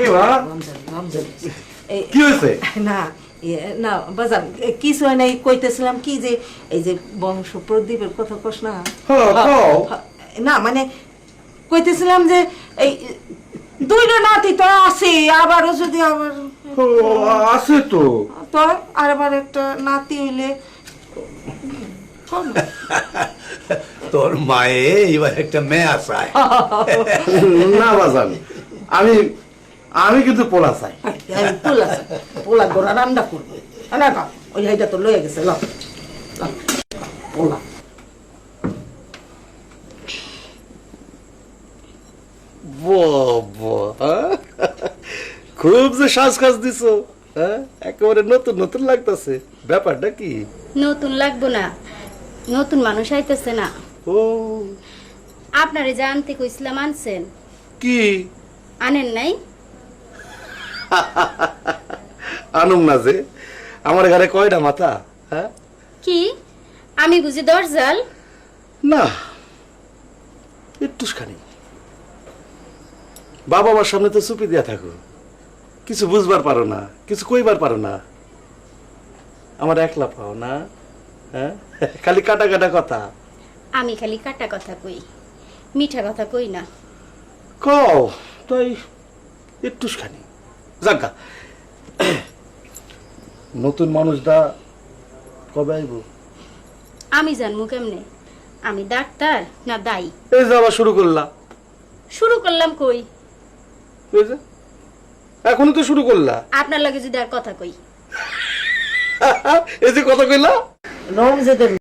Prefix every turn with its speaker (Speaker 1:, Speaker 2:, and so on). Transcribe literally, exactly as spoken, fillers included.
Speaker 1: কি হয়েছে?
Speaker 2: না না বাজান কিছু হয় নাই, কইতেছিলাম কি যে এই যে বংশ প্রদীপের কথা কস না। না মানে কইতেছিলাম যে এই দুইটা নাতি তো আছে, আবারও যদি আবার
Speaker 1: আছে তো
Speaker 2: তো আর আবার একটা নাতি হইলে
Speaker 3: তোর মায়ে এবার একটা মেয়ে আসায়।
Speaker 1: না বাজান, আমি আমি কিন্তু পোলা চাই।
Speaker 2: পোলা পোলা গোড়া রান্না করবো না, ওই হাইটা তো লয়ে গেছে। ল পোলা
Speaker 1: খুব যে সাজ কাজ দিছো, হ্যাঁ একেবারে নতুন নতুন লাগতেছে। ব্যাপারটা কি?
Speaker 4: নতুন লাগবো না, নতুন মানুষ আইতেছে না।
Speaker 1: ও
Speaker 4: আপনারে যে আনতে কইছিলাম আনছেন?
Speaker 1: কি
Speaker 4: আনেন নাই?
Speaker 1: আনুম না যে, আমার ঘরে কয়টা মাথা? হ্যাঁ
Speaker 4: কি আমি বুঝি দরজাল?
Speaker 1: না, একটুখানি বাবা আমার সামনে তো চুপি দিয়া থাকো, কিছু বুঝবার পারো না, কিছু কইবার পারো না, আমার একলা পাও না। হ্যাঁ খালি কাটা কাটা কথা।
Speaker 4: আমি খালি কাটা কথা কই, মিঠা কথা কই না।
Speaker 1: কও তাই একটুখানি জাগা। নতুন মানুষটা কবে আইব?
Speaker 4: আমি জানবো কেমনে? আমি ডাক্তার না দাই?
Speaker 1: এই যে আবার শুরু করলা।
Speaker 4: শুরু করলাম কই?
Speaker 1: এই যে এখনই তো শুরু করলা।
Speaker 4: আপনার লাগে যদি আর কথা কই।
Speaker 1: এই যে কথা কইলা
Speaker 2: রমজাদের